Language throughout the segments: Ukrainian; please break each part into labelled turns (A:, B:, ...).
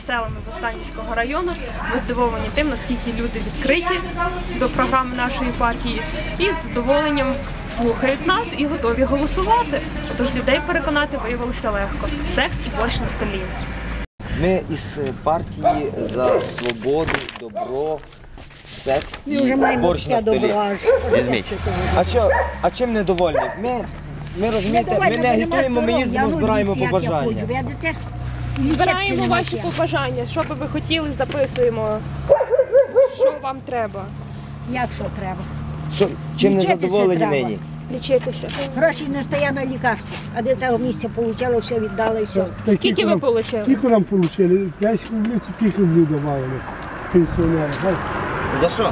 A: селами Заставнівського району. Ми здивовані тим, наскільки люди відкриті до програми нашої партії і з задоволенням слухають нас і готові голосувати. Тож людей переконати виявилося легко. Секс і борщ на столі.
B: Ми із партії за свободу, добро, секс і борщ на столі. Візьміть. А чим недовольні? Ми розумієте, ми не агітуємо, ми їздимо, збираємо побажання.
A: Збираємо ваші побажання. Що би ви хотіли, записуємо. Що вам треба?
C: Як що треба?
B: Чим не задоволені нині?
A: Лічитися.
C: Гроші не стає на лікарство, а де цього місця отримала, все віддала і все.
A: Скільки ви отримали?
D: Скільки нам отримали? 10 рублів, це 5 рублів давали пенсіонери.
B: За що?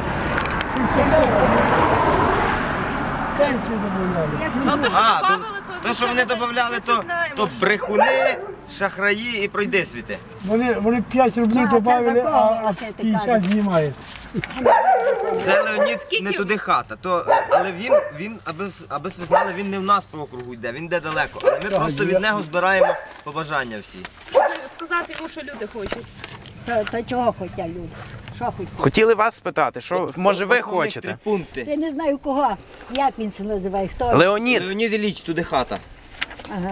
D: Пенсію додавали.
B: То, що вони додавали, то брехуни, шахраї і пройдисвіти.
D: Вони 5 рублів додавали, а 50 знімають.
B: Це Леонід не туди хата. Але він, аби ви знали, він не в нас по округу йде, він йде далеко. Але ми просто від нього збираємо побажання всі.
A: Сказати йому, що люди хочуть.
C: То чого хочуть люди? Що хочуть?
E: Хотіли вас спитати, що, може, ви хочете?
C: Я не знаю кого, як він це називає, хто?
E: Леонід.
B: Леонід Ілліч, туди хата.
C: Ага.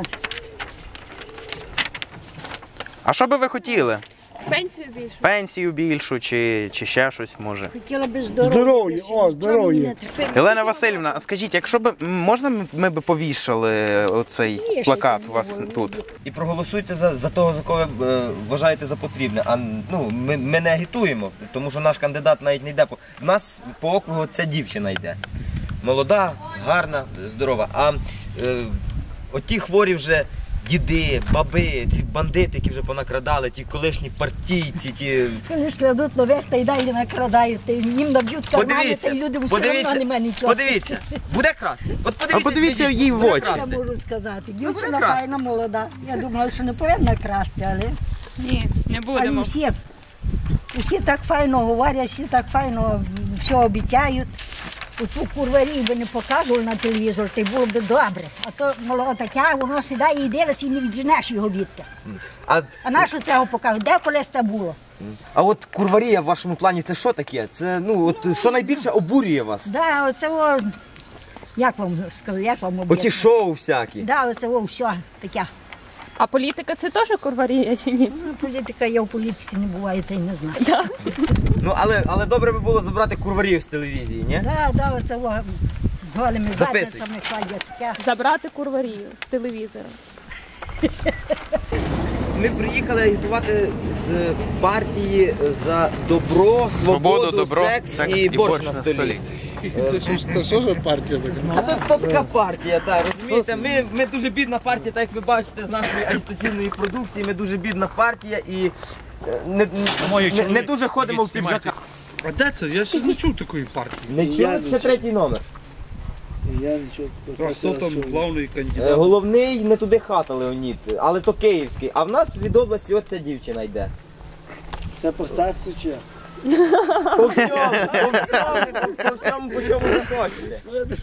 E: А що би ви хотіли?
A: Пенсію більше.
E: Пенсію більшу чи ще щось, може?
C: Хотіла би здоров'я.
D: Здоров'я, здоров'я.
E: Елена Васильівна, а скажіть, якщо б, можна ми б повішали оцей плакат у вас тут?
B: І проголосуйте за того, за кого ви вважаєте за потрібне. А ми не агітуємо, тому що наш кандидат навіть не йде. В нас по округу ця дівчина йде. Молода, гарна, здорова. А оті хворі вже діди, баби, ці бандити, які вже понакрадали, ті колишні партійці, ті...
C: Вони ж крадуть нових та й далі накрадають, їм наб'ють кармани, та й людям все одно немає нічого.
B: Подивіться, буде красти. От
E: подивіться їй в очі.
C: Я можу сказати, дівчина файна, молода. Я думала, що не повинна красти, але...
A: Ні, не будемо.
C: Усі так файно говорять, всі так файно все обіцяють. Оцю курварію би не показували на телевізор, то й було б добре. А то молода таке, воно сідає і дивиться, і не відженеш його відти. А на що цього показують? Де колись це було?
B: А от курварія в вашому плані це що таке? Це, що найбільше обурює вас?
C: Да, оце, як вам сказати, як вам об'яснити?
B: Оті шоу всякі.
C: Да, оце все таке.
A: А політика це теж курварія чи ні?
C: Політика, я в політиці не буваю, та й не знаю.
A: Да.
B: Але добре би було забрати курварію з телевізії, ні?
C: Да, оце з голими задницями ходять.
A: Забрати курварію з телевізора.
B: Ми приїхали агітувати з партії за добро, свободу, секс і борщ на столі.
D: Це що ж партія так знає?
B: А то така партія, так, розумієте? Ми дуже бідна партія, так як ви бачите з нашої агітаційної продукції, ми дуже бідна партія і не дуже ходимо в піджаках.
D: А де це? Я ще не чув такої партії.
B: Не чули? Це третій номер.
D: Я нічого. А хто там главний кандидат?
B: Головний не туди хата Леонід, але то київський. А в нас від області оця дівчина йде.
D: Це по сексу чи?
B: По всьому, по чому захочете.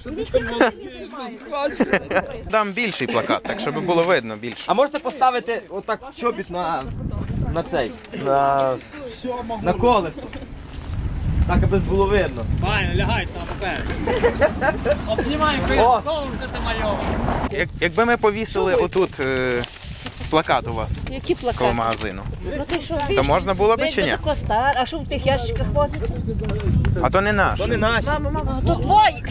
E: Дам більший плакат, так щоб було видно більше.
B: А можете поставити отак чобіт на цей, на колесо? Так, аби було видно.
F: Ваня, лягай там поперед. Обнімаємо, коли сонце ти мальове.
E: Якби ми повісили отут плакат у вас
G: Які плакати?
E: коло магазину,
G: Ну, ти що,
E: то можна було б чи ні?
G: А що в тих ящиках возить?
E: А то не наш.
B: То не наші.
G: Мама, то твої!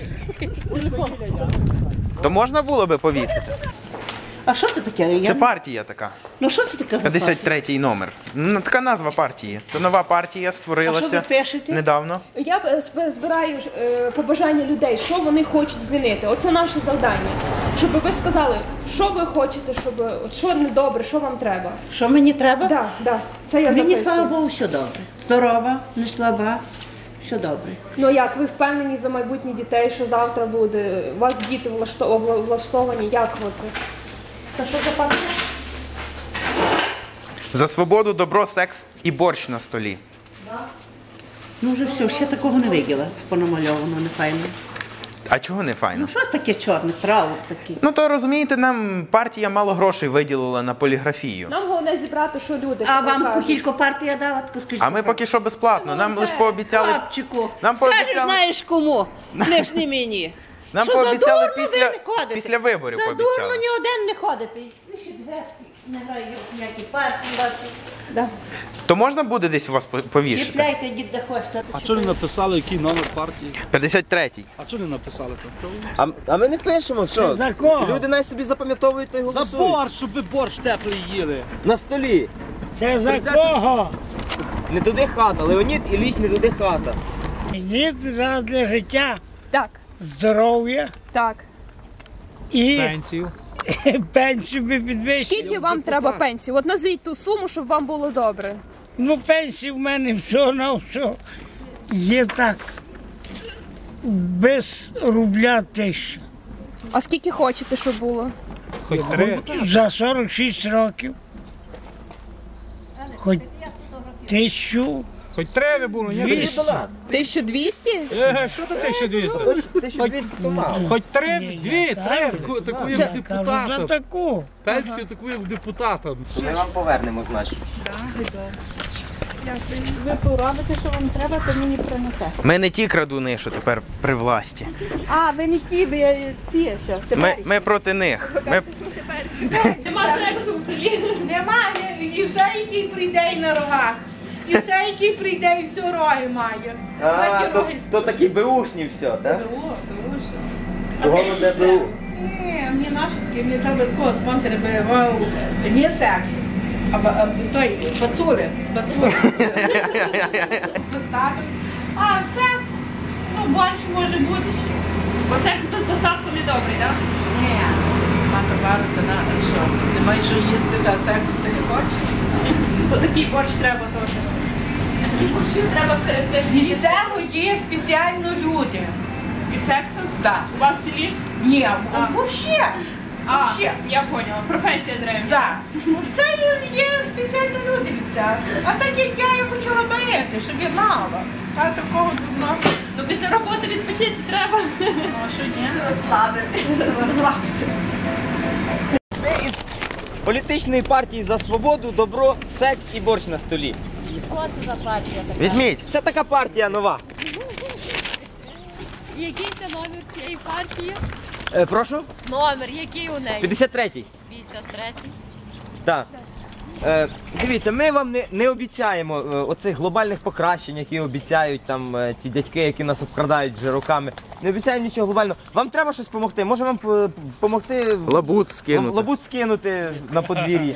E: То можна було би повісити.
G: А що це таке?
E: Це партія така.
G: Ну що це таке за партія?
E: 53-й номер. Ну, така назва партії. То нова партія
G: А що
E: створилася
G: ви пишете?
E: недавно.
A: Я збираю побажання людей, що вони хочуть змінити. Оце наше завдання. Щоб ви сказали, що ви хочете, що недобре, що вам треба.
G: Що мені треба?
A: Так, це я
G: Мені,
A: записую.
G: слава Богу, все добре. Здорова, не слаба, все добре.
A: Ну як, ви впевнені за майбутнє дітей, що завтра буде? У вас діти влаштовані, як от? Та що за партія?
E: За свободу, добро, секс і борщ на столі.
G: Ну вже все, ще такого не виділа, понамальовано, не файно.
E: А чого не файно?
G: Ну що таке чорне, право таке?
E: Ну то розумієте, нам партія мало грошей виділила на поліграфію.
A: Нам головне зібрати, що люди.
G: А вам по
A: кажуть.
G: кілько партія дала, так скажіть.
E: А ми поки що безплатно. Нам лише пообіцяли.
G: Хлопчику,
E: Нам
G: скажеш,
E: пообіцяли-
G: знаєш кому, не ж не мені.
E: Нам
G: Що за
E: пообіцяли
G: дурно
E: після-
G: ви не ходите?
E: після виборів
G: За
E: пообіцяли.
G: дурно ні один не ходите. Ви ще дверки не грають ніякі партії ваші.
E: То можна буде десь вас повішати?
G: Чіпляйте, йдіть де хочете.
F: А чого не написали, який номер партії?
E: 53-й.
F: А чого не написали там?
B: А ми не пишемо, що?
D: За кого?
B: Люди навіть собі запам'ятовують та й
F: За
B: голосують.
F: борщ, щоб ви борщ теплий їли.
B: На столі.
D: Це за кого?
B: Не туди хата. Леонід Ілліч не туди хата.
D: Ні, раз для життя,
A: Так,
D: здоров'я
A: так.
D: і
F: Пенсію.
D: пенсію би підвищили.
A: Скільки вам треба пенсії? От назвіть ту суму, щоб вам було добре.
D: Ну, пенсії в мене все на все є так. Без рубля 1000.
A: А скільки хочете, щоб було?
F: Хоч три.
D: За 46 років. Хоч 1000.
F: Хоч три було, ні?
D: 200.
A: 1200?
F: Що таке 1200?
B: 1200 то мало.
F: Хоч три,
D: Ні,
F: дві,
D: я
F: три,
D: кажу,
F: таку
D: я
F: як
D: кажу за
F: депутата.
D: таку.
F: Пенсію таку як депутата.
B: Ми вам повернемо, значить.
G: Ви поробите, що вам треба, то мені принесе.
E: Ми не ті крадуни, що тепер при власті.
G: А, ви не ті, ви ті, що?
E: Ми проти них. Ми...
A: Нема сексу в селі.
H: Немає, і все, який прийде і на рогах. І все, який прийде, і все роги має.
B: А,
H: Такі роги.
B: то такі беушні все, так?
H: Друго, друже.
B: Головне БУ.
H: Ні, мені наші такі, мені треба такого спонсора виявав не секс, а той бацули. Достаток. А секс, ну більше може бути ще.
A: Бо секс без достатку не добрий, так?
H: Ні, нема товару, то на що? Немає що їсти, та сексу все не хоче.
A: То такий борщ треба теж. І борщу треба
H: Від цього є спеціально люди.
A: від сексу?
H: Так.
A: У вас в селі?
H: Ні, взагалі.
A: А, я поняла. Професія древня.
H: Так. Це є спеціально люди від цього. А так як я хочу робити, щоб я знала. А такого дурного.
A: Ну після роботи відпочити треба.
H: Ну, а що ні? Розслабити. Розслабити.
B: Ми із політичної партії за свободу, добро, секс і борщ на столі.
E: Візьміть.
B: Це така партія нова.
I: Який це номер цієї партії?
B: Прошу?
I: Номер, який у неї?
B: 53-й.
I: 53-й.
B: Так. Дивіться, ми вам не обіцяємо оцих глобальних покращень, які обіцяють там ті дядьки, які нас обкрадають вже роками. Не обіцяємо нічого глобального. Вам треба щось допомогти? Може вам допомогти
E: Лабут скинути.
B: лабут скинути на подвір'ї?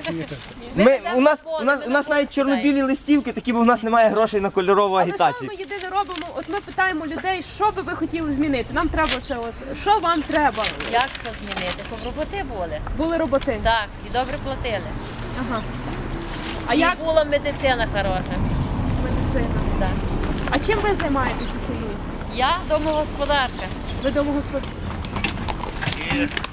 B: У нас навіть чорно-білі листівки, такі, бо у нас немає грошей на кольорову
A: Але що
B: агітацію.
A: ми єдине робимо? От ми питаємо людей, що би ви хотіли змінити. Нам треба це от. Що вам треба?
I: Як це змінити? Щоб роботи були?
A: Були роботи.
I: Так, і добре платили.
A: Ага. А
I: І
A: як
I: була медицина хороша.
A: медицина?
I: Так.
A: А чим ви займаєтесь у селі?
I: Я домогосподарка.
A: Ви домогосподар...